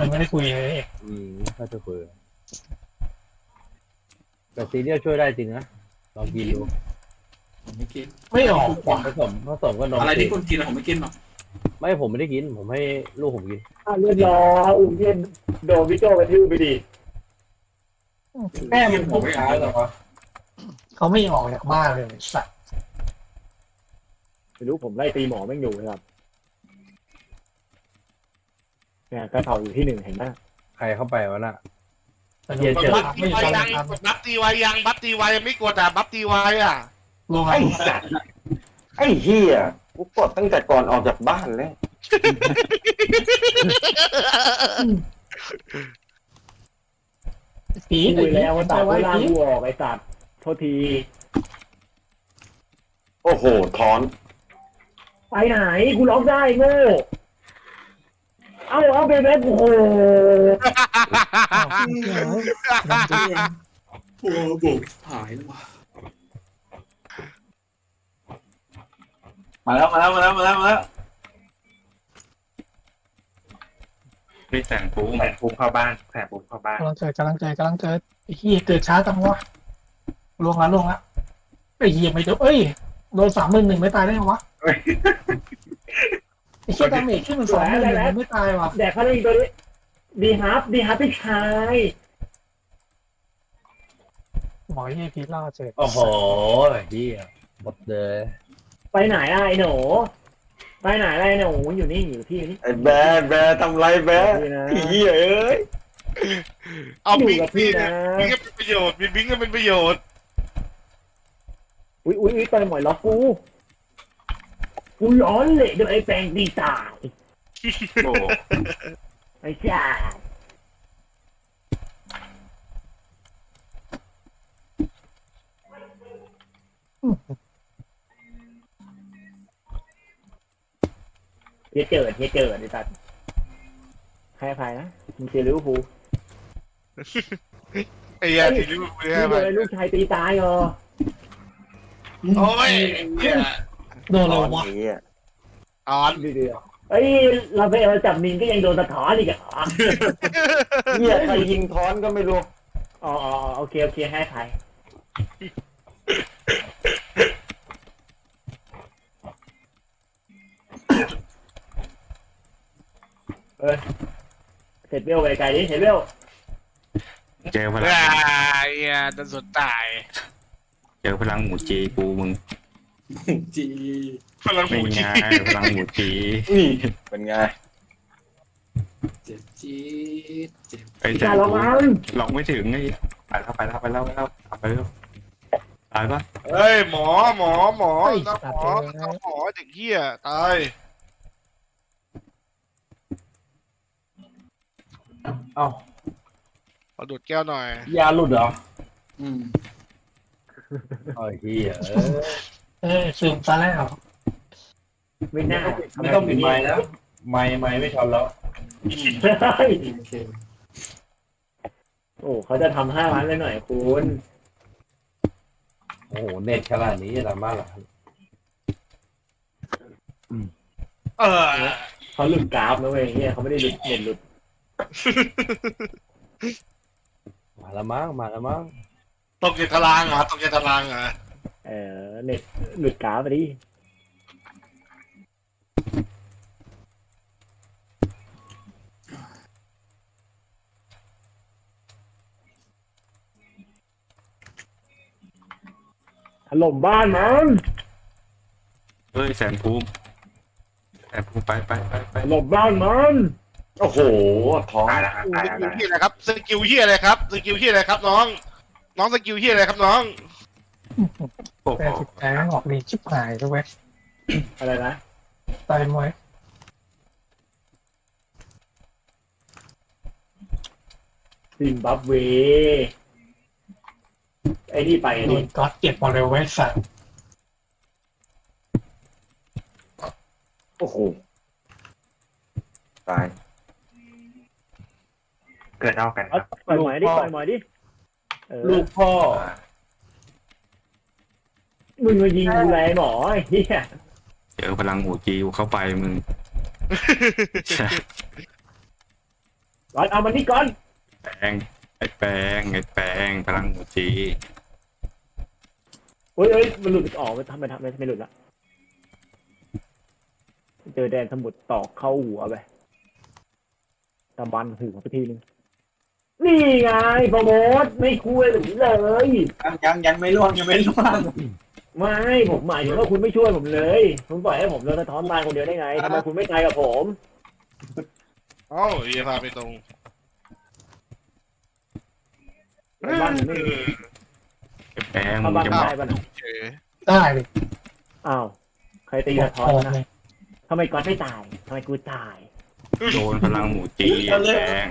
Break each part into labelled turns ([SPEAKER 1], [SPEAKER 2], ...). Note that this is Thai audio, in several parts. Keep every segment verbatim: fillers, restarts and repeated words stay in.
[SPEAKER 1] ยังไม่ได้คุยเลย
[SPEAKER 2] อืมถ้าจะคุยแต่ซีเรียลช่วยได้จริงนะลองกินดู
[SPEAKER 3] ผมไม่กิน
[SPEAKER 1] ไม่ออกว่ะ
[SPEAKER 2] ผสมผสมกับนม
[SPEAKER 3] อะไร
[SPEAKER 2] จื
[SPEAKER 3] ที่
[SPEAKER 2] ด
[SPEAKER 3] คุณกินอะผมไม่กินหรอก
[SPEAKER 2] ไม่ผมไม่ได้กิน ผมให้ลูกผมกิน
[SPEAKER 4] อ่ะเรียบร้อยอุ้มเย็นโดนพี่โจกระทืบไปดิ
[SPEAKER 1] แม่มัน
[SPEAKER 3] ผ
[SPEAKER 1] พู
[SPEAKER 3] ม
[SPEAKER 1] ด
[SPEAKER 3] ไม่
[SPEAKER 1] ช้า
[SPEAKER 3] เอา
[SPEAKER 1] เหรอวะเขาไม่ออกจากบ้านเลยสัตว์
[SPEAKER 4] ไม่รู้ผมไล่ตีหมอแม่งอยู่นะครับเนี่ยกระเถาอยู่ที่หนึ่งเห็นไหม
[SPEAKER 2] ใครเข้าไปวะน่ะ
[SPEAKER 1] แต่เดี๋ยว
[SPEAKER 2] เจ
[SPEAKER 1] เจอ
[SPEAKER 5] บัฟ
[SPEAKER 1] ไม่
[SPEAKER 5] ตีไว
[SPEAKER 1] ใช่
[SPEAKER 5] ยัง
[SPEAKER 1] ครับ
[SPEAKER 5] บัฟตีไวยังบัฟตีไวยังไม่กดอ่ะบัฟตีไวอ่ะ
[SPEAKER 1] ลง
[SPEAKER 6] ไอ้สัตว์ไอ้เฮียกูกดตั้งแต่ก่อนออกจากบ้านเลย
[SPEAKER 1] ปี
[SPEAKER 4] คุยแล้วว่าตัด
[SPEAKER 1] ไว้
[SPEAKER 4] เวลา
[SPEAKER 1] ปี
[SPEAKER 4] กูออกไอ้สัตว์โทษที
[SPEAKER 6] โอ้โหถอน
[SPEAKER 4] ไปไหนกูล็อกได้โง่เอาเอาไปแม่โอ้โห
[SPEAKER 3] โอ้บุกหายแล้วว่ะ
[SPEAKER 6] มาแล้วมาแล้วมาแล้วมาแล้วมาแล้ว
[SPEAKER 7] ไม่แต่งปูแแต่งปูเข้าบ้านแต่งปูเข้าบ้าน
[SPEAKER 1] กำลังเกิดกำลังเกิดกำลังเกิดไอ้เหี้ยเกิดช้าจังวะลงละลงละไอ้เหี้ยไม่โดนเอ้ยโดนสามหมื่นหนึ่งไม่ตายได้ไงวะไอ้เหี้ยดาเมจขึ้นมันสองหมื่นหนึ่งไม่ตายวะ
[SPEAKER 4] แดกเขาได้อีกตัวนี้ดีฮับดีฮับพี่ชาย
[SPEAKER 1] หมอเหี้ยพีทล่าเจอ
[SPEAKER 2] โอ้โหเฮียหมดเลย
[SPEAKER 4] ไปไหนล่ะไอ้หนูไปไหนล่ะไอ้หนูอยู่นี่อยู่ที่นี่
[SPEAKER 6] ไอ้แบร์แบร์ทำไรแบร์
[SPEAKER 4] อยู่นะ
[SPEAKER 6] ไอ้เฮียเอ้ย
[SPEAKER 5] เอา
[SPEAKER 4] อยู่
[SPEAKER 5] บิง
[SPEAKER 4] กับพี่
[SPEAKER 5] พี่
[SPEAKER 4] นะ
[SPEAKER 5] นะบิงก็เป็นประโยชน์มีบิงก็เป็นประโยชน์
[SPEAKER 4] อุ้ยอุ้ยอุ้ยไปหมอยล็อกกูกูร้อนเลยเดี๋ยวไอ้แปลงดีตาย
[SPEAKER 7] โอ้
[SPEAKER 4] ไอ้ชาเฮียเจิดเฮียเจิดไอ้สัตว์ใครอภัยนะมึงเชียร์ลิเวอร์พูล
[SPEAKER 5] ไอ้เหี้ยทีลิเวอร์พูล
[SPEAKER 4] นี่
[SPEAKER 5] เนี่ย
[SPEAKER 4] เลยลูกชายตีตายเหรอ
[SPEAKER 5] โอ้ยเหี้ย
[SPEAKER 1] โดน
[SPEAKER 6] ถ
[SPEAKER 1] เล
[SPEAKER 6] อย น
[SPEAKER 1] วะ
[SPEAKER 6] ไอ้เฮีย
[SPEAKER 5] ออน
[SPEAKER 4] ดูดิเอ้ยเราไปเอาจับมินก็ยังโดนสะท้อนอีกอ่ะ
[SPEAKER 6] เฮียใครยิงถอนก็ไม่รู้
[SPEAKER 4] อ๋ออ๋อโอเคโอเคให้ใครเออเสร็จเวลไปไกลดิเสร็จเวล
[SPEAKER 7] เจอพลัง
[SPEAKER 5] ไอ้เหี้ยโดนสวนตาย
[SPEAKER 7] เจอพลังหมูจีปูมึง
[SPEAKER 3] จี
[SPEAKER 5] พลังห
[SPEAKER 7] ไม่
[SPEAKER 5] มูจี
[SPEAKER 7] ง่ายพลังหมูจี
[SPEAKER 6] นี่เป็นไง
[SPEAKER 3] เจ็บจี๊ดเจ็บ
[SPEAKER 7] ไอ้
[SPEAKER 4] พี่
[SPEAKER 7] แต่
[SPEAKER 4] ชายระวัง
[SPEAKER 7] ล็อกไม่ถึงไอ้ไปแล้วไปแล้วไปแล้วไปแล้วไปแล้วตายปะ
[SPEAKER 5] เฮ้ยหมอหมอหมอน้าหมอน้าหมอเด็กเหี้ยตาย
[SPEAKER 2] เอ้า
[SPEAKER 5] ขอดูดแก้วหน่อย
[SPEAKER 2] ยาหลุดเหรอ
[SPEAKER 3] อืม
[SPEAKER 2] โอ้ยเฮียเออ
[SPEAKER 1] เออซึมซะแล้ว
[SPEAKER 4] ไม่น่า
[SPEAKER 2] ไม่ต้องปิดไม้แล้วไม้ไม้ไม่ชนแล้ว
[SPEAKER 4] เฮ้ย
[SPEAKER 3] โอเค
[SPEAKER 4] โอ้เขาจะทำห้าล้านเลยหน่อยคุณ
[SPEAKER 2] โอ้โหเน็ตขนาดนี้ละมากเหรอ
[SPEAKER 5] เออ
[SPEAKER 4] เขาหลุดกราฟนะเว้ยเฮียเขาไม่ได้หลุดเน็ตหลุด
[SPEAKER 2] มาละมั้งมาละมั้ง
[SPEAKER 5] ตกในตารางเหรอตกในตารางเหรอ
[SPEAKER 4] เออเน็ตหลุดกราฟไปดิถล่มบ้านมัน
[SPEAKER 7] เฮ้ยแสนภูมิแสนภูมิไปไปไปไป
[SPEAKER 4] ถล่มบ้านมัน
[SPEAKER 6] โอ้โหถอน
[SPEAKER 7] ตายแล้วครับ
[SPEAKER 5] ส
[SPEAKER 7] ตายแล้ว
[SPEAKER 5] กิล
[SPEAKER 7] ตาย
[SPEAKER 5] เฮียอะไรครับสกิลเฮียอะไรครับสกิลเฮียอะไรครับน้อง น้องสกิลเฮียอะไรครับน้อง
[SPEAKER 7] โอ้โห
[SPEAKER 1] แต่จิตใจมันออกดีชิบหายด้วยเว้ย
[SPEAKER 4] อะไรนะ
[SPEAKER 1] ตายมวย
[SPEAKER 4] ซิมบับเวไอ้นี่ไปไอ้
[SPEAKER 1] โด
[SPEAKER 4] นี่
[SPEAKER 1] นก๊อตเก็บหมดเลยเว้ยสัตว์
[SPEAKER 6] โอ้โหตาย
[SPEAKER 7] เกิดเอากันค
[SPEAKER 4] เอา
[SPEAKER 7] รับ
[SPEAKER 4] ปล่อยหมอยดิปล่อยหมอยดิเออ
[SPEAKER 2] ลูกพ่อ
[SPEAKER 4] มึงมายิงกูไรหมอไอ้เหี้ย
[SPEAKER 7] เจอพลังหมูจีเข้าไปมึง
[SPEAKER 4] ก่อนเอามันนี่ก่อน
[SPEAKER 7] แปลงไอ้แปลงไอ้แปลงพลังหมูจี
[SPEAKER 4] เฮ้ยเฮ้ยมันหลุดออกไปทำไมทำไมไม่หลุดละเจอแดนสมุทรตอกเข้าหัวไปตะบันถือมาไปทีนึงนี่ไงโปรโมทไม่คุยแบบนี้เลย
[SPEAKER 6] ยังยังไม่ล่วงยังไม่ล่วง
[SPEAKER 4] ไม่ผมหมายถึงว่าคุณไม่ช่วยผมเลยคุณปล่อยให้ผมโดนสะท้อนตายคนเดียวได้ไงทำไมคุณไม่ตายกับผม
[SPEAKER 5] เอ้าเฮียพาไปตรง
[SPEAKER 4] บ้านผมไม่มี
[SPEAKER 7] ไอ้แปลง
[SPEAKER 4] เข้า
[SPEAKER 7] มึง
[SPEAKER 4] บ้าน
[SPEAKER 7] จะ
[SPEAKER 4] ได้
[SPEAKER 7] มา
[SPEAKER 4] ปะน่ะ
[SPEAKER 5] เฉย
[SPEAKER 1] ได้ดิ
[SPEAKER 4] อ้าวใครตีสะท้อนวะนะทำไมก๊อตไม่ตายทำไมกูตาย
[SPEAKER 7] โดนพลังหมูจีไอ้แปลง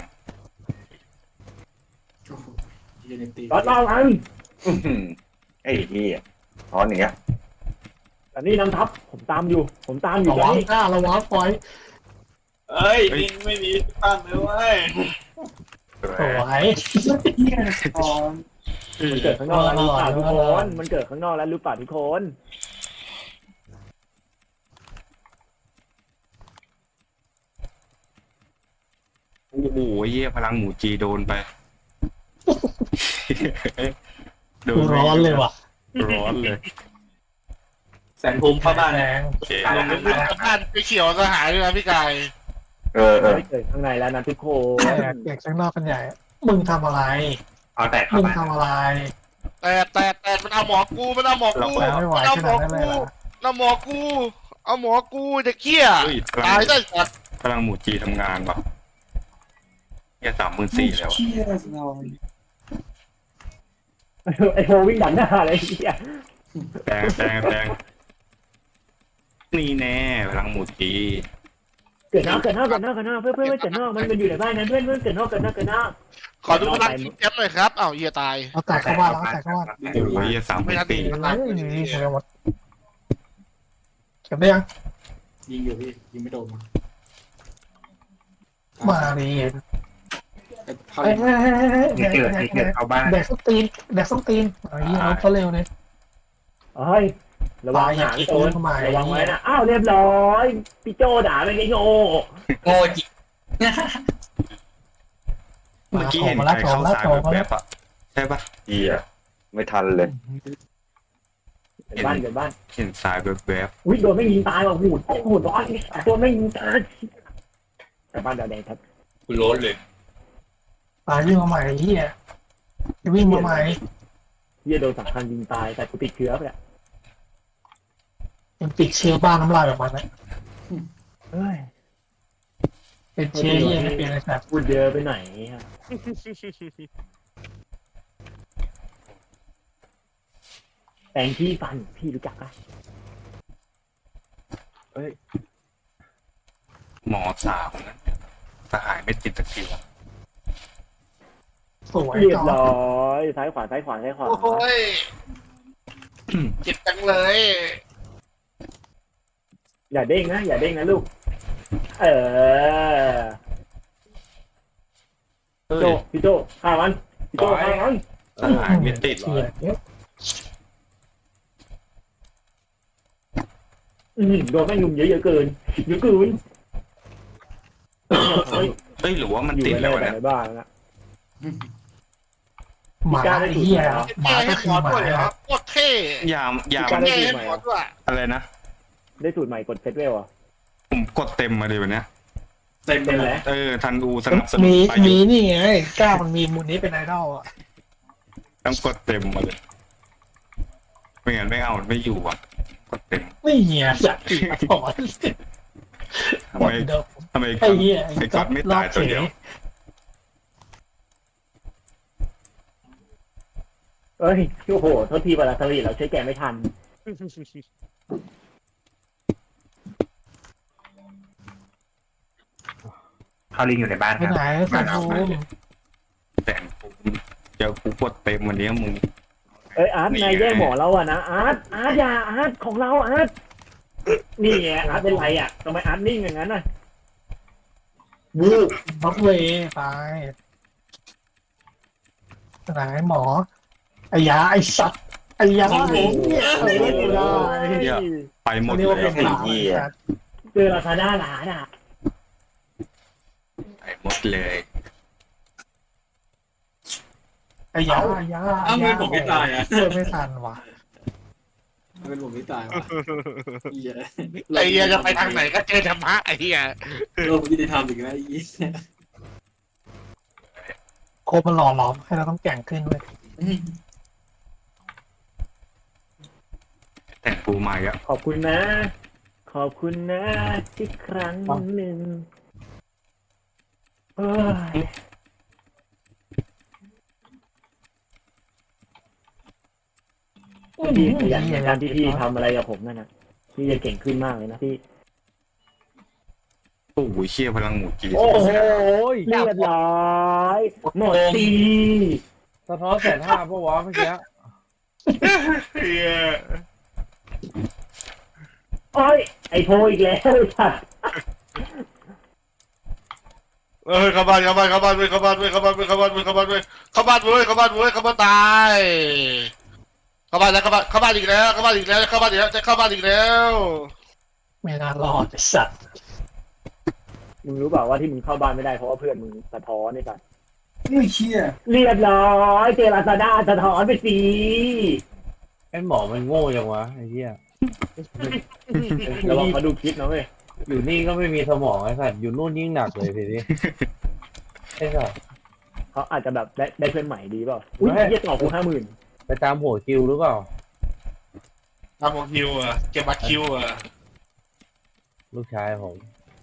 [SPEAKER 3] โอ้โหเฮียเนี่ยตี
[SPEAKER 4] ก๊อตรอมัน
[SPEAKER 6] อื้อหือไอ้เหี้ยถอนอย่างเงี้ย
[SPEAKER 4] อันนี้นำทัพผมตามอยู่ ผมตามอยู่
[SPEAKER 1] ระ
[SPEAKER 4] ตอ
[SPEAKER 1] วัน ง
[SPEAKER 4] นี้
[SPEAKER 1] หน้าระวังปล่อย
[SPEAKER 6] เอ้ยดินไม่มีปั้นเลยเว้ย
[SPEAKER 1] สวย
[SPEAKER 4] มันเกิดข้างนอกแล้วหรือเปล่าทุกคนมันเกิดข้างนอกแล้วหรือเปล่าทุกคน
[SPEAKER 7] โอ้โหเยี่ยพลังหมูจีโดนไปโด
[SPEAKER 1] กูร้อนเลยว่ะ
[SPEAKER 7] ร้อนเลย
[SPEAKER 6] แสนภูมิเข้าบ้าน
[SPEAKER 1] แรง
[SPEAKER 7] โอเค
[SPEAKER 5] ลงไปบ้านไปเขียวสหายด้วยนะพี่กาย
[SPEAKER 6] เออเออ
[SPEAKER 4] ไม่เกิดข้างในแล้วนะทุกคน
[SPEAKER 1] แตกแตกข้างนอกกันใหญ่ มึงทำอะไร
[SPEAKER 6] เอาแตกเข้า
[SPEAKER 1] มึง
[SPEAKER 6] บ้าน
[SPEAKER 1] ทำอะไร
[SPEAKER 5] แต่แต่แต่มันเอาหมอกูมันเอาหมอกู
[SPEAKER 1] แรงไม่ไหว
[SPEAKER 5] มันเอา
[SPEAKER 1] ข
[SPEAKER 5] หม
[SPEAKER 1] นา
[SPEAKER 5] อ
[SPEAKER 1] ดนั้นเลย
[SPEAKER 5] กู
[SPEAKER 1] เหรอ
[SPEAKER 5] เอาหมอกูเอาหมอกูเด็กเขี้ย
[SPEAKER 7] เฮ้ยพลั
[SPEAKER 5] ตาย
[SPEAKER 7] ง
[SPEAKER 5] ได้สัตว์
[SPEAKER 7] พลังหมูจีทำงานว่ะเยี่ยสามหมื่นสี่แล้ว
[SPEAKER 4] ไอโฮวิ่งดันหน้าเลยไอ้เหี้ย
[SPEAKER 7] แปลงแปลงแปลงนี่แน่พลังหมูจี
[SPEAKER 4] เกิดนอกเกิดนอกเกิดนอกเกิดนอกเพื่อนเพื่อนเกิดนอกมันมันอยู่ในบ้านนั้นเพื่อนเพื่อนเกิดนอกเกิดนอกเกิดนอก
[SPEAKER 5] ขอดูพลังทีมแชมป์หน่อยครับอ้าวเฮียตาย
[SPEAKER 1] เอาแตกเข้าบ้านแล้วเอาแตกเข้าบ้าน
[SPEAKER 7] โอ้ยเยี่ยสามห
[SPEAKER 5] ไม่
[SPEAKER 7] มื่น
[SPEAKER 5] ทันตี
[SPEAKER 7] สี่
[SPEAKER 5] มัน
[SPEAKER 1] เฮ้
[SPEAKER 5] ตาย
[SPEAKER 1] ยนี่เฉยหมดเก็บได้ยัง
[SPEAKER 3] ยิงอยู่พี่ยิงไม่โดน
[SPEAKER 1] มาดิ
[SPEAKER 3] ไอ้พา
[SPEAKER 1] เฮ้ย
[SPEAKER 3] ลิ
[SPEAKER 1] เฮ้ยเฮ้ยเฮ้ยแดก
[SPEAKER 6] เกิด
[SPEAKER 1] แดก
[SPEAKER 6] เกิดเข้าบ้าน
[SPEAKER 1] แดกส้นตีนแดกส้นตีนไอ้เหี้ยรถเขาเร็วเลย
[SPEAKER 4] เฮ้ยระวังหางโดนระวังไว้นะอ้าวเรียบร้อยพี่โจด่าไปไอ้โง่
[SPEAKER 6] โง่จริง
[SPEAKER 7] เมื่อกี้เห็น
[SPEAKER 1] มา
[SPEAKER 7] ใค
[SPEAKER 1] แล้ว
[SPEAKER 7] ร
[SPEAKER 1] โถ
[SPEAKER 7] เข้าม
[SPEAKER 1] แล้ว
[SPEAKER 7] สาย
[SPEAKER 1] โถม
[SPEAKER 7] แบ
[SPEAKER 1] แล้ว
[SPEAKER 7] บๆอ่ะใช่ปะ
[SPEAKER 6] เหี้ยไม่ทันเลย
[SPEAKER 4] เกิดบ้านเกิดบ้าน
[SPEAKER 7] เห็นสายแบบ
[SPEAKER 4] อุ้ยโดนไม่ยิงตายว่ะหูดโอ้โหร้อนโดนไม่ยิงตายแต่บ้านเดาวแดงครับ
[SPEAKER 6] คุณร้อนเลย
[SPEAKER 1] ตายวิ่งมาใหม่ไอ้เหี้ยวิ่งมาใหม่
[SPEAKER 4] เฮียโดนสำคัญยิงตายแต่กูติดเชื้อไปแล้ว
[SPEAKER 1] ยังปิดเชื้อบ้านน้ำลายแบบมันนะ
[SPEAKER 4] เฮ้ย
[SPEAKER 1] เป็นเชื้อเหี้ยไม่เป็นอะไรแบบ
[SPEAKER 4] พูดเยอะไปไหนฮะแปรงที่ฟันพี่รู้จักปะ
[SPEAKER 7] ๆหมอสาวนะสหายไม่ติดตะเกียบ
[SPEAKER 1] สวย
[SPEAKER 4] เรียบ
[SPEAKER 1] ต่อ
[SPEAKER 4] ร้อยซ้ายขวาซ้ายขวาซ้ายขวา
[SPEAKER 5] โอ้ยเจ็บจังเลย
[SPEAKER 4] อย่าเด้งนะอย่าเด้งนะลูก เออ
[SPEAKER 7] เฮ้
[SPEAKER 4] โจ
[SPEAKER 7] ย
[SPEAKER 4] พี่โจฆ่ามันพี่โจฆ่ามัน
[SPEAKER 7] สหายไม่ติด
[SPEAKER 1] เหี้ยเนี่ย
[SPEAKER 4] อืมโดนแม่งยุมเยอะเยอะเกินเยอะเกินเฮ้ย
[SPEAKER 7] เอ้ยหรือว่ามัน
[SPEAKER 4] อยู่
[SPEAKER 7] ติด
[SPEAKER 4] กัน
[SPEAKER 7] แล้
[SPEAKER 4] ได้
[SPEAKER 7] ว
[SPEAKER 4] แต่
[SPEAKER 7] นะ
[SPEAKER 4] ในบ้านนะ
[SPEAKER 1] หมาไอ้เหี้ยหมา
[SPEAKER 5] แก้
[SPEAKER 1] ก็
[SPEAKER 5] ให้
[SPEAKER 1] คื
[SPEAKER 5] หม
[SPEAKER 1] อ
[SPEAKER 5] อ
[SPEAKER 1] หมา
[SPEAKER 5] ด้วยเหรอโคตรเท่
[SPEAKER 7] ยามยาม
[SPEAKER 5] แก้ให้หมอด้วย
[SPEAKER 7] อะไรนะ
[SPEAKER 4] ได้สูตรใหม่กดเซตเวลอ่ะ
[SPEAKER 7] ผมกดเต็มมาเลยวันเนี้ย
[SPEAKER 3] เต็ม
[SPEAKER 4] เป็น
[SPEAKER 3] เล
[SPEAKER 4] ไร
[SPEAKER 3] ย
[SPEAKER 7] เออทันอูสนับสนุน
[SPEAKER 1] มี
[SPEAKER 7] ไปอ
[SPEAKER 1] มี
[SPEAKER 7] ยู่
[SPEAKER 1] นี่ไงก้าวมันมีมูลนี้เป็นไอดอลอ่ะ
[SPEAKER 7] ต้องกดเต็มมาเลยไม่งั้นไม่เอาไม่อยู่อ่ะกดเต็ม
[SPEAKER 1] ไม่เหี้ยสัตว์ตีมาถอน
[SPEAKER 7] ทำ
[SPEAKER 1] หม
[SPEAKER 7] ไม
[SPEAKER 1] ดเดิม
[SPEAKER 7] ทำไม
[SPEAKER 1] ไอ้เหี้ย
[SPEAKER 7] ไอ้ก๊อตไม่ตายตัวเดียว
[SPEAKER 4] เอ้ยโอ้โหโทษทีบาลาสลีเราใช้แกไม่ทัน
[SPEAKER 6] พาลิงอยู่ในบ้าน
[SPEAKER 1] ไป
[SPEAKER 6] ครับ
[SPEAKER 1] ไหนสัตว์ภูมิ
[SPEAKER 7] แต่กูเจอกูกดเต็มวันนี้มึง
[SPEAKER 4] เอ้ยอาร์ต
[SPEAKER 7] นี่
[SPEAKER 4] นายแย่ง
[SPEAKER 7] ไง
[SPEAKER 4] หมอเราอะนะอาร์ตอาร์ตอย่าอาร์ตของเราอาร์ตนี่ไงอาร์ตเป็นไรอะทำไมอาร์ตนิ่งอย่างนั้นน่ะ
[SPEAKER 1] บูบ็อกเวย์ตายไปไหนหมอไอ้ยาไอ้สัตว์ไอ้ยาไอ้เหี้ยเออไม่ได้
[SPEAKER 7] เนี่ยไปหมด
[SPEAKER 1] เรียก
[SPEAKER 7] เล
[SPEAKER 1] ว่าเป็น
[SPEAKER 7] ย
[SPEAKER 1] หมาไอ้สัตว์
[SPEAKER 4] เจอราคาด้าหลานอะ
[SPEAKER 7] ไปหมดเลย
[SPEAKER 1] ไอ้ยาไอ้ยา
[SPEAKER 3] อ้าวทำไมผมไม่ตายอ่ะ
[SPEAKER 1] ช่วยไม่ทันว่ะ
[SPEAKER 3] เป็นผมไม่ตายวะเหี้ย
[SPEAKER 5] ไอ้เหี้ยจะไปทางไหนก็เจอธรรมะไอ้เหี้ย
[SPEAKER 3] โลกยุติธรรมอีกแล้วไอ้เหี้ย
[SPEAKER 1] โคมันหล่อหลอมให้เราต้องแกร่งขึ้นเลย
[SPEAKER 7] แต่งปูมาอีกอ่ะ
[SPEAKER 4] ขอบคุณนะ ขอบคุณนะที่ครั้งหนึ่งเอ้ยพี่ขยันในการที่พี่ทำอะไรกับผมนั่นนะพี่จะเก่งขึ้นมากเลยนะพี่
[SPEAKER 7] โอ้โหเชี่ยพลังหมูจี
[SPEAKER 2] โอ้โห
[SPEAKER 4] เรียบร้อยหมดตี
[SPEAKER 2] สะท้อนแสนห้าปะวะเมื่อกี้
[SPEAKER 5] เหี้ย
[SPEAKER 4] โอ้ยไอโพอีกแล้วค่ะ
[SPEAKER 5] เอ้ยเข้าบ้านเข้าบ้านเข้าบ้านเว้ยเข้าบ้านเว้ยเข้าบ้านเว้ยเข้าบ้านเว้ยเข้าบ้านเว้ยเข้าบ้านเว้ยเข้าบ้านเว้ยเข้าบ้านตายเข้าบ้านแล้วเข้าบ้านเข้าบ้านอีกแล้วเข้าบ้านอีกแล้วเข้าบ้านอีกแล้วจะเข้าบ้านอีกแล้ว
[SPEAKER 1] ไม่น่ารอดไอ้สัตว์
[SPEAKER 4] มึงรู้เปล่าว่าที่มึงเข้าบ้านไม่ได้เพราะว่าเพื่อนมึงสะท้อนนี่ป่ะ
[SPEAKER 3] ไม่เชี่ย
[SPEAKER 4] เรียบร้อยเจลาซาด้าสะท้อนไปสิ
[SPEAKER 2] ไอ้หมอมันโง่ยังวะไอ้เหี้ย
[SPEAKER 4] ระวังเขาดูคลิปนะเว้ย
[SPEAKER 2] อยู่นี่ก็ไม่มีสมองไอ้สัตว์อยู่นู่นยิ่งหนักเลยทีนี้ไอ้สัตว์
[SPEAKER 4] เขาอาจจะแบบได้ได้เพื่อนใหม่ดีเปล่าอุ้ยเยี่ยต่อกูห้าหมื่น
[SPEAKER 2] ไปตามหัวคิวหรือเปล่า
[SPEAKER 5] ทำของคิวอ่ะเก็บบัตรคิวอ่ะ
[SPEAKER 2] ลูกชายผม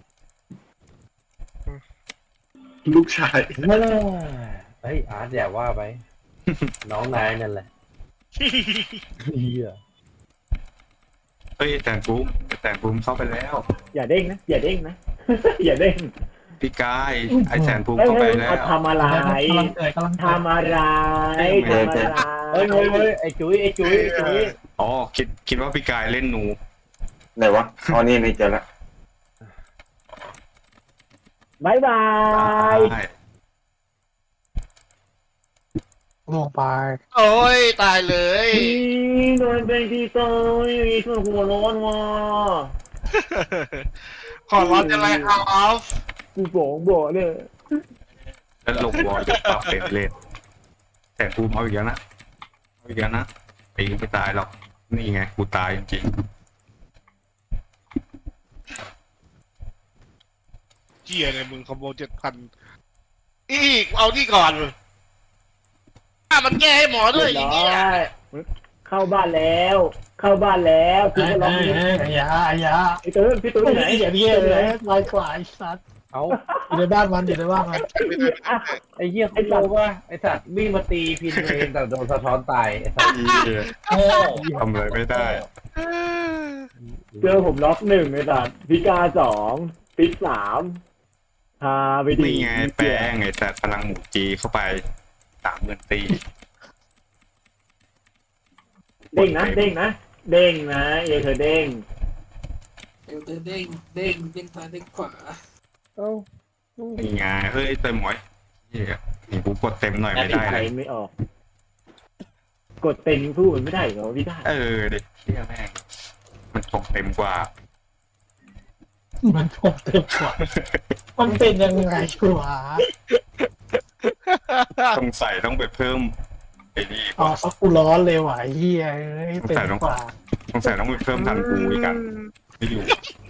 [SPEAKER 6] ลูกชาย
[SPEAKER 2] เฮ้ยอาร์ตอย่าว่าไป น้องนายนั่นแหละเหี้ย
[SPEAKER 7] เฮ้ยแต่งปูมแต่งปูมเข้าไปแล้ว
[SPEAKER 4] อย่าเด้งนะอย่าเด้งนะ อย่าเด้ง
[SPEAKER 7] พี่กายไอแสนปูม
[SPEAKER 4] เฮ้ย
[SPEAKER 7] เข้าไป
[SPEAKER 4] เฮ้ย
[SPEAKER 7] แล้
[SPEAKER 4] เอา
[SPEAKER 7] ว
[SPEAKER 4] ทำอะไร
[SPEAKER 1] กำลังเกิดกำลังเกิด
[SPEAKER 4] ทำอะไรทำอะไร
[SPEAKER 2] เฮ้ยเฮ้ยเฮ้ยไอ้จุ้ยไอ้จุ้ยไอ้จุ้ย
[SPEAKER 7] อ๋อคิดคิดว่าพี่กายเล่นหนู
[SPEAKER 6] ไหนวะอ๋อนี่นี่เจอละ
[SPEAKER 4] บายบาย
[SPEAKER 7] ใช่
[SPEAKER 1] ลงไป
[SPEAKER 5] โอ้ยตายเลย
[SPEAKER 4] นี่โดนเป็นที่โตยมีส่วนหัวร้อนว่ะ
[SPEAKER 5] ขอร้อนจะไล่เอาออฟ
[SPEAKER 4] กูบอกบอกเนี่ย
[SPEAKER 7] แล้วลงวอลจะปรับเป็นเลนแต่ปูมเอาอีกแล้วนะเอาอีกแล้วนะปีไม่ตายหรอกนี่ไงกูตายจริง
[SPEAKER 5] เจียเนี่ยมึงคอมโบเจ็ดพันอีกเอานี่ก่อนอ่ะมันแก้ให้หมอด้วย
[SPEAKER 4] เรี
[SPEAKER 5] อี
[SPEAKER 4] ยบ
[SPEAKER 5] ก
[SPEAKER 4] ร้
[SPEAKER 5] เนี่ย
[SPEAKER 4] อยเข้าบ้านแล้ว เข้าบ้านแล้วกู
[SPEAKER 1] เอ้ย
[SPEAKER 4] ก็ร้อง
[SPEAKER 1] เอ้ย
[SPEAKER 4] เพลง
[SPEAKER 1] เอ้ยไอ้ยาไอ้ยา
[SPEAKER 4] ไอ้ตื้นพี่ตื้นอยู่ไหน
[SPEAKER 1] ไอ้เหี้ยเหี้ยเลยลายขวาไอ้สัตว์
[SPEAKER 2] เอา
[SPEAKER 1] อยู่ในบ้านมันอยู่ในบ้านมัน
[SPEAKER 2] ไอ้เหี้ยคุณรู้ป่ะไอ้สัตว์วิ่งมาตีพินเองแต่โดนสะท้อนตายไอ้สัตว์
[SPEAKER 7] ๆเหี้ย
[SPEAKER 2] โง่
[SPEAKER 7] ทำอะไรไม่ได้
[SPEAKER 4] เจอผมล็อกหนึ่งไอ้สัตว์พิกาสองปิกสามพาไปดี
[SPEAKER 7] นี่ไงแป้งไงแต่พลังหมูจีเข้าไปสามหมื่นตี
[SPEAKER 4] เด้งนะเด้งนะเด้งนะเอเธอเด้ง
[SPEAKER 3] เอวเต้นเด้งเด้งเด้งซ้ายเด้งขวา
[SPEAKER 2] เอ้า
[SPEAKER 7] นี่ไงเฮ้ยเต็มหมอยเหี้ยนี่กูกดเต็มหน่อยไม่ได้
[SPEAKER 4] ใค
[SPEAKER 7] เล
[SPEAKER 4] ร
[SPEAKER 7] ย
[SPEAKER 4] ไม่ออก กดเต็มสู้มันไม่ได้เหรอพี่ได้
[SPEAKER 7] เออเด็กเชี่ยแม่งมันกดเต็มกว่า
[SPEAKER 1] มันคงเต็มกว่ามันเป็นยังไงวะ
[SPEAKER 7] ต้องใส่ต้องไปเพิ่มไอ้นี่
[SPEAKER 1] อ๋อสักกูร้อนเลยว่ะไอ้เฮียเอ้ยเต็มกว่า
[SPEAKER 7] ต้องใส่ต้องไปเพิ่มทันกูอีกกันไม่อยู่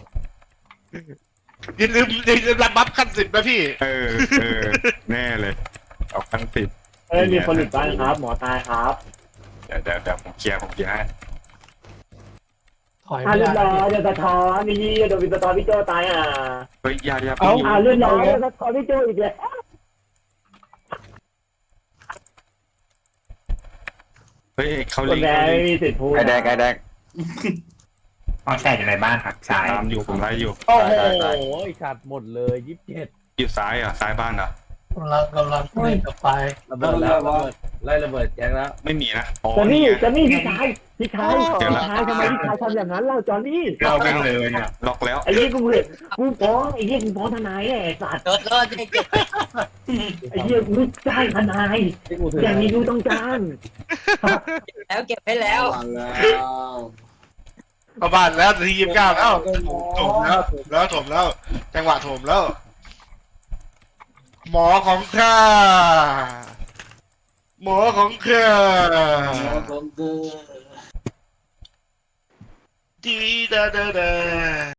[SPEAKER 5] อย่าลืมอย่าลืมรับบัฟขั้นสิบนะพี่
[SPEAKER 7] เออเออแน่เลยเอาขั้นติด
[SPEAKER 4] เอ้ยมีคนหลุดบ้านครับ หมอตายครับ
[SPEAKER 7] เดี๋ยวเดี๋ยวเดี๋ยวผมเคลียร์ผมเคลียร์ให้
[SPEAKER 1] ถอย
[SPEAKER 4] อ่า
[SPEAKER 1] ไม่
[SPEAKER 4] เรียบ
[SPEAKER 1] ได้
[SPEAKER 4] ร้อยเดี๋ยวสะท้อนนี่โดนวินสะท้อนพี่โจตายอ่ะ
[SPEAKER 7] เฮ้ยอยาอยา
[SPEAKER 4] เอา
[SPEAKER 7] พี่
[SPEAKER 4] อ่าเรียบร้อยเดี๋ยวสะท้อนพี่โจอีกแล้ว
[SPEAKER 7] เฮ้ยเขา
[SPEAKER 4] ค
[SPEAKER 7] ลิ
[SPEAKER 4] น
[SPEAKER 7] ง
[SPEAKER 4] แร
[SPEAKER 7] เขา
[SPEAKER 4] ก
[SPEAKER 7] ลิ
[SPEAKER 4] ไม่
[SPEAKER 7] ง
[SPEAKER 4] มีสิทธิ์พูด
[SPEAKER 6] ไอแดกไอแดก
[SPEAKER 8] ต้องแช่อยู่ในบ้านครับซ้าย
[SPEAKER 7] ตามอยู่ผมไล่อยู่
[SPEAKER 2] โอ้โห
[SPEAKER 6] ได้ได้
[SPEAKER 2] ไอ้สัตว์หมดเลยยี่สิบเจ็ด
[SPEAKER 7] อยู่ซ้ายอ่ะซ้ายบ้านอ่ะ
[SPEAKER 1] กำลังกำลังเล่นกับไฟ
[SPEAKER 2] ระเบิดแล้วระเบิดไล่ระเบิดแจ็คแล้ว
[SPEAKER 7] ไม่มีนะอ๋อ
[SPEAKER 4] จอน
[SPEAKER 7] นี่
[SPEAKER 4] นี่
[SPEAKER 7] ไง
[SPEAKER 4] จอนนี่พี่ชายพี่ชาย
[SPEAKER 7] เดี๋ยวละ
[SPEAKER 4] พี่ชายทำไมพี่ชายทำอย่างนั้นเล่าจอนนี่
[SPEAKER 8] เราไม่เลยเนี่ย
[SPEAKER 7] ล็อกแล้ว
[SPEAKER 4] ไอ้ยี่กูเห็นกูฟ้องไอ้ยี่กูฟ้องทนายไอ้สัตว์
[SPEAKER 8] โดนโดน
[SPEAKER 4] ไอ้ยี่กูจ้างทนาย
[SPEAKER 2] ที่กูถือ
[SPEAKER 4] อย่างนี้กูต้องจ้าง
[SPEAKER 8] แล้วเก็บให้แล้ว
[SPEAKER 3] บ้านแล้ว
[SPEAKER 5] เข้าบ้านแล้วทียี่สิบเก้าแล้วถมแล้วถมแล้วถมแล้ว จังหวะถมแล้ว หมอของข้าหมอของข้า
[SPEAKER 3] ของเธอ
[SPEAKER 5] ดีดาดาดา